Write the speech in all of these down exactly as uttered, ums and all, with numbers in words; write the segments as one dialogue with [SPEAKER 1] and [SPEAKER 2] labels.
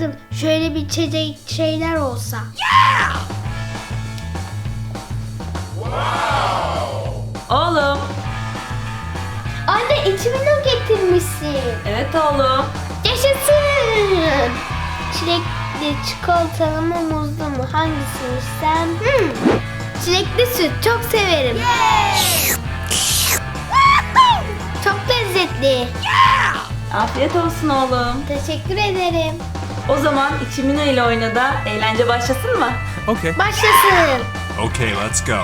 [SPEAKER 1] isterdim. Şöyle bir içecek şeyler olsa.
[SPEAKER 2] Yeah!
[SPEAKER 3] Oğlum.
[SPEAKER 1] Anne içimini getirmişsin.
[SPEAKER 3] Evet oğlum.
[SPEAKER 1] Yaşasın. Çilekli, çikolatalı mı, muzlu mu? Hangisini istem? Hmm. Çilekli süt çok severim. Çok lezzetli.
[SPEAKER 3] Afiyet olsun oğlum.
[SPEAKER 1] Teşekkür ederim.
[SPEAKER 3] O zaman İçimino ile oyna da eğlence başlasın mı?
[SPEAKER 4] Okay.
[SPEAKER 1] Başlasın.
[SPEAKER 4] Okay, let's go.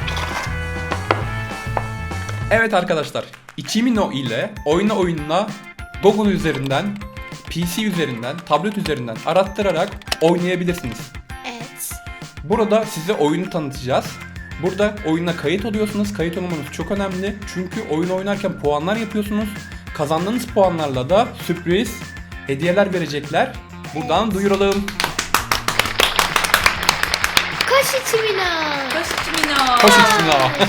[SPEAKER 5] Evet arkadaşlar, İçimino ile oyna oyununa Google üzerinden, P C üzerinden, tablet üzerinden arattırarak oynayabilirsiniz.
[SPEAKER 1] Evet.
[SPEAKER 5] Burada size oyunu tanıtacağız. Burada oyuna kayıt oluyorsunuz. Kayıt olmanız çok önemli. Çünkü oyun oynarken puanlar yapıyorsunuz. Kazandığınız puanlarla da sürpriz hediyeler verecekler. Buradan duyuralım.
[SPEAKER 1] Koş içimine.
[SPEAKER 3] Koş İçimino.
[SPEAKER 5] Hoş geldiniz.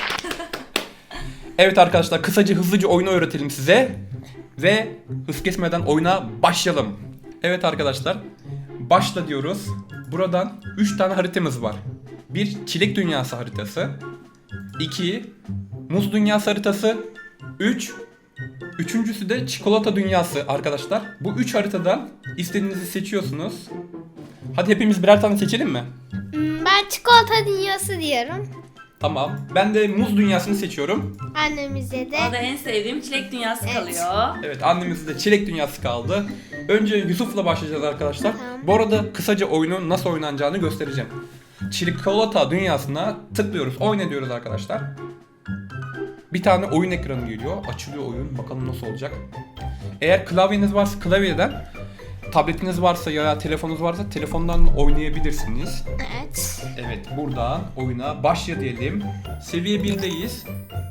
[SPEAKER 5] Evet arkadaşlar, kısaca hızlıca oyunu öğretelim size. Ve hız kesmeden oyuna başlayalım. Evet arkadaşlar, başla diyoruz. Buradan üç tane haritamız var. Bir çilek dünyası haritası. iki muz dünyası haritası. üç Üçüncüsü de çikolata dünyası arkadaşlar. Bu üç haritadan istediğinizi seçiyorsunuz. Hadi hepimiz birer tane seçelim mi?
[SPEAKER 1] Hmm, Ben çikolata dünyası diyorum.
[SPEAKER 5] Tamam. Ben de muz dünyasını seçiyorum.
[SPEAKER 1] Annemize de.
[SPEAKER 3] Bana da en sevdiğim çilek dünyası
[SPEAKER 1] Evet.
[SPEAKER 3] kalıyor.
[SPEAKER 5] Evet, annemizde de çilek dünyası kaldı. Önce Yusuf'la başlayacağız arkadaşlar.
[SPEAKER 1] Tamam.
[SPEAKER 5] Bu arada kısaca oyunun nasıl oynanacağını göstereceğim. Çikolata dünyasına tıklıyoruz. Oyna diyoruz arkadaşlar. Bir tane oyun ekranı geliyor. Açılıyor oyun. Bakalım nasıl olacak. Eğer klavyeniz varsa klavyeden, tabletiniz varsa ya telefonunuz varsa telefondan oynayabilirsiniz.
[SPEAKER 1] Evet.
[SPEAKER 5] Evet, buradan oyuna başla diyelim. Seviye birdeyiz.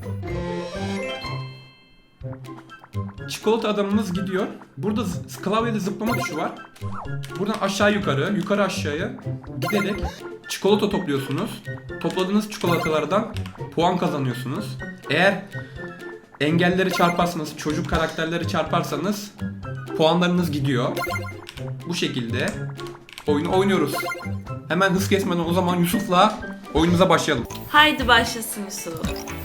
[SPEAKER 5] Çikolata adamımız gidiyor. Burada z- klavyede zıplama tuşu var. Buradan aşağı yukarı, yukarı aşağıya giderek çikolata topluyorsunuz. Topladığınız çikolatalardan puan kazanıyorsunuz. Eğer engelleri çarparsanız, çocuk karakterleri çarparsanız puanlarınız gidiyor. Bu şekilde oyunu oynuyoruz. Hemen hız kesmeden o zaman Yusuf'la oyunumuza başlayalım.
[SPEAKER 3] Haydi başlasın Yusuf.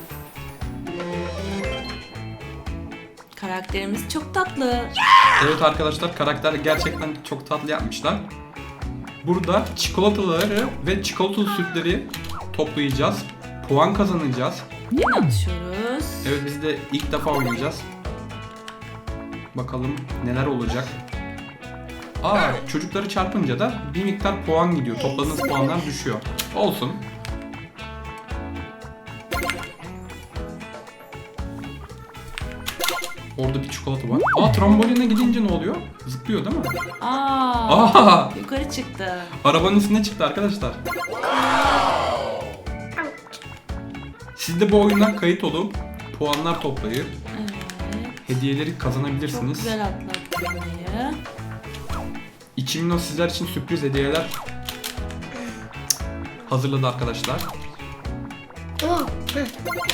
[SPEAKER 3] Karakterimiz çok tatlı.
[SPEAKER 5] Evet arkadaşlar, karakter gerçekten çok tatlı yapmışlar. Burada çikolataları ve çikolatalı sütleri toplayacağız. Puan kazanacağız.
[SPEAKER 3] Yine atışıyoruz.
[SPEAKER 5] Evet, biz de ilk defa oynayacağız. Bakalım neler olacak. Aa, çocukları çarpınca da bir miktar puan gidiyor. Topladığınız puanlar düşüyor. Olsun. Orada bir çikolata var. Aa, tramboline gidince ne oluyor? Zıplıyor değil mi?
[SPEAKER 3] Aa,
[SPEAKER 5] Aa,
[SPEAKER 3] yukarı çıktı.
[SPEAKER 5] arabanın üstüne çıktı arkadaşlar. Siz de bu oyuna kayıt olup puanlar toplayıp
[SPEAKER 3] Evet.
[SPEAKER 5] hediyeleri
[SPEAKER 3] Çok
[SPEAKER 5] kazanabilirsiniz.
[SPEAKER 3] güzel atlattı burayı.
[SPEAKER 5] İçimino sizler için sürpriz hediyeler hazırladı arkadaşlar.
[SPEAKER 1] Oh. hı.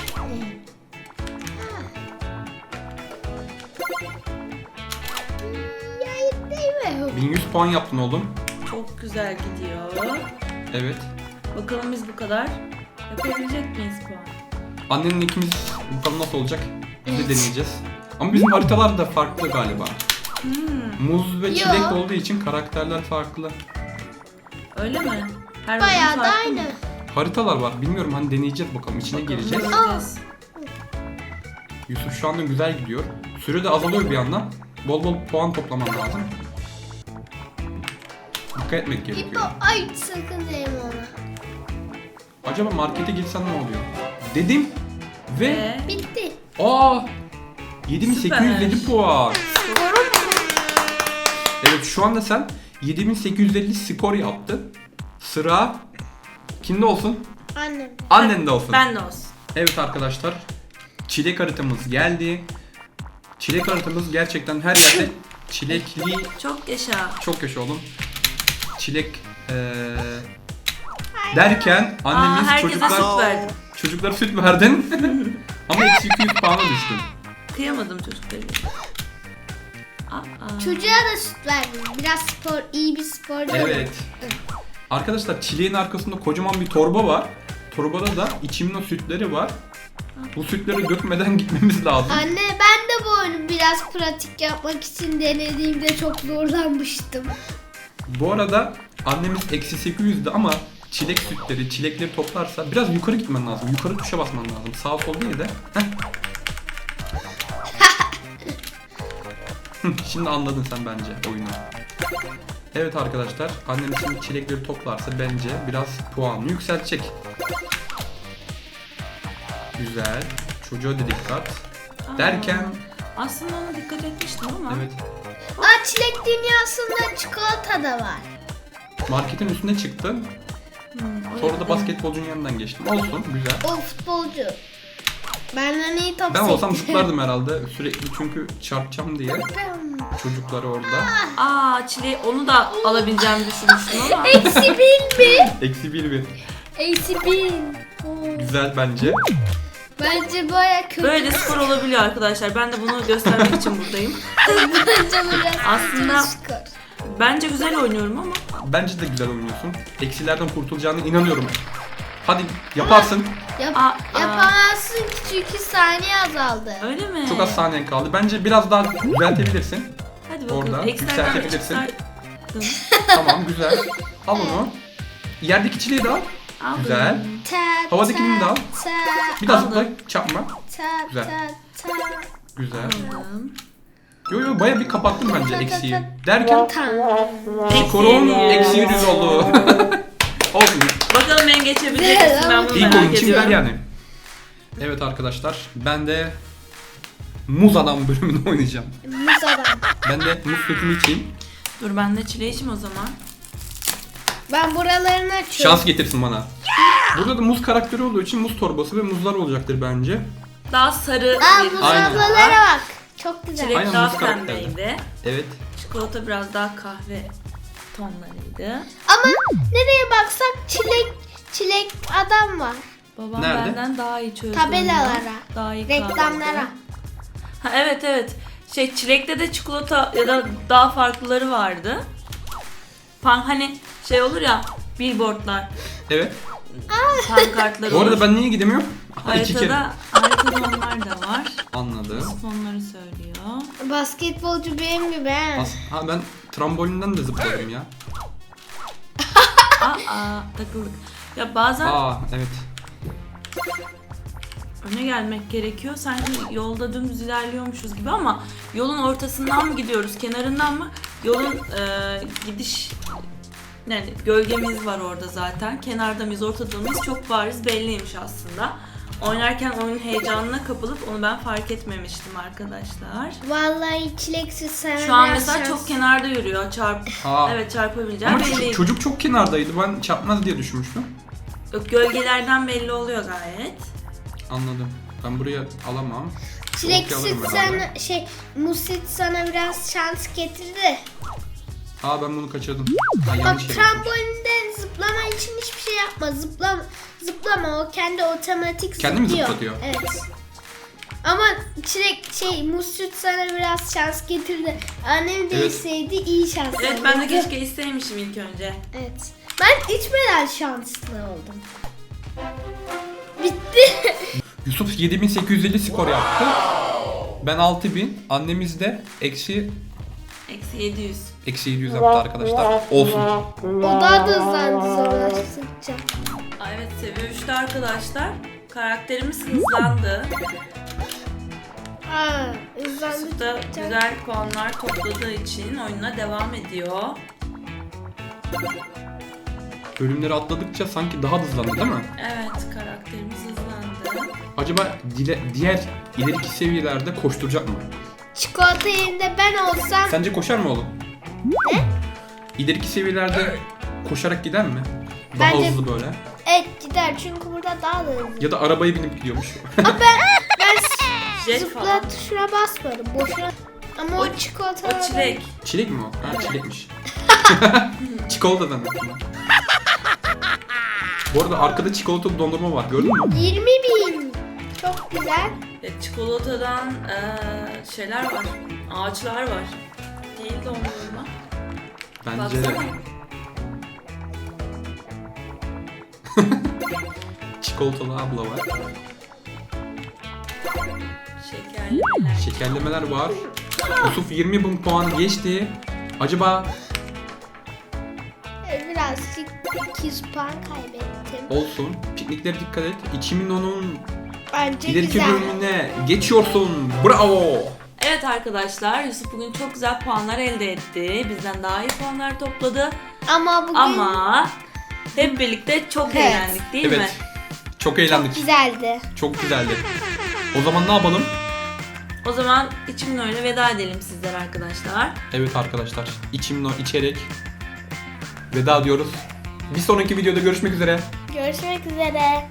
[SPEAKER 1] Ya değil mi?
[SPEAKER 5] bin yüz puan yaptın oğlum.
[SPEAKER 3] Çok güzel gidiyor.
[SPEAKER 5] Evet.
[SPEAKER 3] Bakalım biz bu kadar yapabilecek miyiz puan?
[SPEAKER 5] Annenin ikimiz bakalım nasıl olacak. Biz de deneyeceğiz. Ama bizim haritalar da farklı galiba.
[SPEAKER 3] Hmm,
[SPEAKER 5] Muz ve
[SPEAKER 1] Yo.
[SPEAKER 5] çilek olduğu için karakterler farklı.
[SPEAKER 3] öyle mi? Her
[SPEAKER 1] Bayağı
[SPEAKER 3] bölüm
[SPEAKER 1] da
[SPEAKER 3] farklı mı?
[SPEAKER 1] aynı.
[SPEAKER 5] Haritalar var. Bilmiyorum, hani deneyeceğiz bakalım. İçine
[SPEAKER 3] Bakalım,
[SPEAKER 5] gireceğiz.
[SPEAKER 3] göreceğiz.
[SPEAKER 5] Yusuf şu anda güzel gidiyor. Süre de azalıyor bir yandan. Bol bol puan toplaman lazım. Dikkat etmek
[SPEAKER 1] İpo,
[SPEAKER 5] gerekiyor.
[SPEAKER 1] ay sakın değme ona.
[SPEAKER 5] Acaba markete gitsen ne oluyor? Dedim ve
[SPEAKER 3] Ve
[SPEAKER 1] Bitti.
[SPEAKER 5] aa yedi bin sekiz yüz elli
[SPEAKER 3] Süper.
[SPEAKER 5] puan. Evet, şu anda sen yedi bin sekiz yüz elli skor yaptın. Sıra kimde olsun?
[SPEAKER 1] Annem.
[SPEAKER 5] Annen de olsun.
[SPEAKER 3] ben de olsun.
[SPEAKER 5] Evet arkadaşlar, çilek haritamız geldi. Çilek haritamız gerçekten her yerde çilekli.
[SPEAKER 3] Çok yaşa.
[SPEAKER 5] Çok yaşa oğlum. Çilek eee, derken annemiz
[SPEAKER 3] Aa, herkese
[SPEAKER 5] çocuklar
[SPEAKER 3] süt verdim.
[SPEAKER 5] çocuklara süt verdin. Ama eksi iki yüz puana düştün.
[SPEAKER 3] Kıyamadım çocukları. Aa.
[SPEAKER 1] Çocuğa da süt verdim. Biraz spor, iyi bir sporcu.
[SPEAKER 5] Evet. Arkadaşlar çileğin arkasında kocaman bir torba var. Torbada da içimli sütleri var. Bu sütleri dökmeden gitmemiz lazım.
[SPEAKER 1] Anne ben de bu oyunu biraz pratik yapmak için denediğimde çok zorlanmıştım.
[SPEAKER 5] Bu arada annemiz eksi sekiz yüz'dü ama çilek sütleri, çilekleri toplarsa biraz yukarı gitmen lazım. Yukarı tuşa basman lazım. Sağ sol değil de. Heh. Hı, Şimdi anladın sen bence oyunu. Evet arkadaşlar, annemiz şimdi çilekleri toplarsa bence biraz puanını yükseltecek. Güzel. Çocuğa da dikkat. Derken,
[SPEAKER 3] Aslında ona dikkat etmiştim ama.
[SPEAKER 5] evet,
[SPEAKER 1] Aa, çilek dünyasında çikolata da var.
[SPEAKER 5] marketin üstüne çıktım.
[SPEAKER 3] Hmm,
[SPEAKER 5] Sonra da basketbolcunun yanından geçtim. Olsun, güzel.
[SPEAKER 1] O futbolcu. Benden iyi top
[SPEAKER 5] Ben olsam
[SPEAKER 1] sekti.
[SPEAKER 5] zıplardım herhalde sürekli çünkü çarpacağım diye. Çocukları orada.
[SPEAKER 3] Aa çileği onu da alabileceğimi düşünmüştüm ama.
[SPEAKER 1] Eksi bin mi?
[SPEAKER 5] Eksi bir bir.
[SPEAKER 1] Eksi bin. Oo.
[SPEAKER 5] Güzel bence.
[SPEAKER 1] Bence baya kötü.
[SPEAKER 3] Böyle spor olabiliyor arkadaşlar. Ben de bunu göstermek için buradayım.
[SPEAKER 1] Bence bu biraz
[SPEAKER 3] Aslında-
[SPEAKER 1] kötü skor.
[SPEAKER 3] Bence güzel oynuyorum ama.
[SPEAKER 5] Bence de güzel oynuyorsun. Eksilerden kurtulacağına inanıyorum. Hadi yaparsın.
[SPEAKER 1] Yap
[SPEAKER 3] Aa, aa.
[SPEAKER 1] yapamazsın ki çünkü saniye azaldı.
[SPEAKER 3] Öyle mi?
[SPEAKER 5] Çok az saniyen kaldı. Bence biraz daha düzeltebilirsin.
[SPEAKER 3] Hadi bakalım.
[SPEAKER 5] Orada
[SPEAKER 3] Eksilerden
[SPEAKER 5] yükseltebilirsin.
[SPEAKER 3] çıkardım.
[SPEAKER 5] Tamam, güzel. Al onu. Yerdeki çileği de al.
[SPEAKER 3] Aldım.
[SPEAKER 5] Güzel.
[SPEAKER 1] Ta,
[SPEAKER 5] Havadakini de al.
[SPEAKER 1] Ta,
[SPEAKER 5] Bir daha
[SPEAKER 3] Aldım.
[SPEAKER 5] zıpla, çarpma.
[SPEAKER 1] ta,
[SPEAKER 5] Güzel.
[SPEAKER 1] ta, ta,
[SPEAKER 5] Güzel.
[SPEAKER 3] Aldım.
[SPEAKER 5] Yo yo baya bir kapattım bence eksiği. Derken
[SPEAKER 1] ta.
[SPEAKER 5] skorun eksi
[SPEAKER 3] Eksi
[SPEAKER 5] yüz oldu. Olsun.
[SPEAKER 3] Bakalım beni geçebilecek misin? Ben bunu
[SPEAKER 5] İlk oyun
[SPEAKER 3] merak
[SPEAKER 5] için ver
[SPEAKER 3] ediyorum.
[SPEAKER 5] yani. Evet arkadaşlar, ben de Muz Adam bölümünü oynayacağım.
[SPEAKER 1] Muz adam.
[SPEAKER 5] Ben de muz sütümü içeyim.
[SPEAKER 3] Dur ben de çileği içeyim o zaman.
[SPEAKER 1] Ben buralarını açıyorum.
[SPEAKER 5] Şans getirsin bana. Burada da muz karakteri olduğu için muz torbası ve muzlar olacaktır bence.
[SPEAKER 3] Daha sarı
[SPEAKER 1] Aa,
[SPEAKER 3] bir
[SPEAKER 1] muz
[SPEAKER 5] Aynen.
[SPEAKER 1] ablalara bak. Çok güzel.
[SPEAKER 3] çilek
[SPEAKER 5] Aynen,
[SPEAKER 3] daha
[SPEAKER 5] muz karakteri.
[SPEAKER 3] pembeydi.
[SPEAKER 5] Evet.
[SPEAKER 3] Çikolata biraz daha kahve tonlarıydı.
[SPEAKER 1] Ama nereye baksak çilek çilek adam var.
[SPEAKER 3] Babam
[SPEAKER 5] Nerede?
[SPEAKER 3] benden daha iyi çözdü.
[SPEAKER 1] Tabelalara,
[SPEAKER 3] onu. Daha iyi
[SPEAKER 1] reklamlara.
[SPEAKER 3] kavraydı. Ha evet evet. Şey çilekte de çikolata ya da daha farklıları vardı. Pan hani şey olur ya billboardlar,
[SPEAKER 5] Evet.
[SPEAKER 3] pankartlar
[SPEAKER 5] Bu
[SPEAKER 3] olur.
[SPEAKER 5] arada ben niye gidemiyorum? Aha, iki kere.
[SPEAKER 3] Haritada, haritada onlar da var.
[SPEAKER 5] Anladım.
[SPEAKER 3] Onları söylüyor.
[SPEAKER 1] Basketbolcu benim gibi he.
[SPEAKER 5] As- ha ben trambolinden de zıpladım ya.
[SPEAKER 3] Aa takıldık. Ya bazen
[SPEAKER 5] Aa evet.
[SPEAKER 3] öne gelmek gerekiyor. Sanki yolda dümdüz ilerliyormuşuz gibi ama yolun ortasından mı gidiyoruz, kenarından mı? Yolun e, gidiş yani gölgemiz var orada zaten. Kenarda mıyız, ortada mıyız çok bariz belliymiş aslında. Oynarken oyunun heyecanına kapılıp onu ben fark etmemiştim arkadaşlar.
[SPEAKER 1] Vallahi çileksiz sen.
[SPEAKER 3] Şu an mesela çok kenarda yürüyor. Çarp
[SPEAKER 5] Aa.
[SPEAKER 3] evet çarpabileceğim
[SPEAKER 5] Ama çocuk,
[SPEAKER 3] belliydi.
[SPEAKER 5] çocuk çok kenardaydı. Ben çarpmaz diye düşünmüştüm.
[SPEAKER 3] Yok, gölgelerden belli oluyor gayet.
[SPEAKER 5] Anladım. Ben buraya alamam.
[SPEAKER 1] Çilek
[SPEAKER 5] Okey, alırım
[SPEAKER 1] süt
[SPEAKER 5] herhalde.
[SPEAKER 1] sana şey muz süt sana biraz şans getirdi.
[SPEAKER 5] Aa ben bunu kaçırdım. Ha,
[SPEAKER 1] Bak
[SPEAKER 5] yanlış yere.
[SPEAKER 1] trambolinde zıplama için hiçbir şey yapma. Zıplama, zıplama o kendi otomatik
[SPEAKER 5] Kendi mi
[SPEAKER 1] zıplıyor.
[SPEAKER 5] zıplatıyor?
[SPEAKER 1] Evet. Ama çilek şey muz süt sana biraz şans getirdi. Annem de
[SPEAKER 5] Evet.
[SPEAKER 1] içseydi iyi şans.
[SPEAKER 3] Evet ben de
[SPEAKER 1] olurdu.
[SPEAKER 3] keşke isteymişim ilk önce.
[SPEAKER 1] Evet. Ben içmeden şanslı oldum. Bitti.
[SPEAKER 5] Yusuf yedi bin sekiz yüz elli skor yaptı. Ben altı bin. Annemiz de eksi
[SPEAKER 3] Eksi yedi yüz.
[SPEAKER 5] eksi yedi yüz yaptı arkadaşlar. Olsun.
[SPEAKER 1] O daha da hızlandı zorlaştıkça.
[SPEAKER 3] Aa, evet seviye üçte arkadaşlar. Karakterimiz hızlandı.
[SPEAKER 1] Aa, hızlandı.
[SPEAKER 3] Yusuf da güzel puanlar topladığı için oyuna devam ediyor.
[SPEAKER 5] Bölümleri atladıkça sanki daha da hızlandı değil mi?
[SPEAKER 3] Evet karakterimiz hızlandı.
[SPEAKER 5] Acaba dile, diğer ileriki seviyelerde koşturacak mı?
[SPEAKER 1] Çikolata yerinde ben olsam
[SPEAKER 5] Sence koşar mı oğlum?
[SPEAKER 1] Ne?
[SPEAKER 5] İleriki seviyelerde koşarak gider mi? Daha
[SPEAKER 1] Bence-
[SPEAKER 5] hızlı böyle.
[SPEAKER 1] evet gider çünkü burada daha da hızlı.
[SPEAKER 5] Ya da arabaya binip gidiyormuş.
[SPEAKER 1] Ben
[SPEAKER 3] Jet
[SPEAKER 1] zıpla
[SPEAKER 3] falan.
[SPEAKER 1] tuşuna basmadım boşuna. Ama o,
[SPEAKER 3] O-
[SPEAKER 1] çikolata
[SPEAKER 3] O çilek.
[SPEAKER 5] Çilek mi o? Ha
[SPEAKER 3] Evet.
[SPEAKER 5] çilekmiş. Çikolata zannettim ben. Bu arada arkada çikolatalı dondurma var, gördün mü?
[SPEAKER 1] yirmi bin. Çok güzel.
[SPEAKER 3] E, çikolatadan eee, şeyler var. Ağaçlar var. Değil dondurma.
[SPEAKER 5] Bence de.
[SPEAKER 3] Baksana.
[SPEAKER 5] Çikolatalı abla var.
[SPEAKER 3] Şekerlemeler.
[SPEAKER 5] Şekerlemeler var. Yusuf yirmi bin puan geçti. Acaba
[SPEAKER 1] Ee, Birazcık iki yüz puan kaybettim.
[SPEAKER 5] olsun. Pikniklere dikkat et. iki milyonun
[SPEAKER 1] Bence
[SPEAKER 5] ileriki
[SPEAKER 1] güzel.
[SPEAKER 5] bölümüne geçiyorsun. Bravo.
[SPEAKER 3] Evet arkadaşlar, Yusuf bugün çok güzel puanlar elde etti. Bizden daha iyi puanlar topladı.
[SPEAKER 1] Ama bugün
[SPEAKER 3] Ama hep birlikte çok
[SPEAKER 1] Evet.
[SPEAKER 3] eğlendik değil mi?
[SPEAKER 5] Evet. Çok eğlendik.
[SPEAKER 1] güzeldi.
[SPEAKER 5] Çok güzeldi. O zaman ne yapalım?
[SPEAKER 3] O zaman içimin oyuna veda edelim sizler arkadaşlar.
[SPEAKER 5] Evet arkadaşlar. İçimle içerek veda diyoruz. Bir sonraki videoda görüşmek üzere.
[SPEAKER 1] Görüşmek üzere.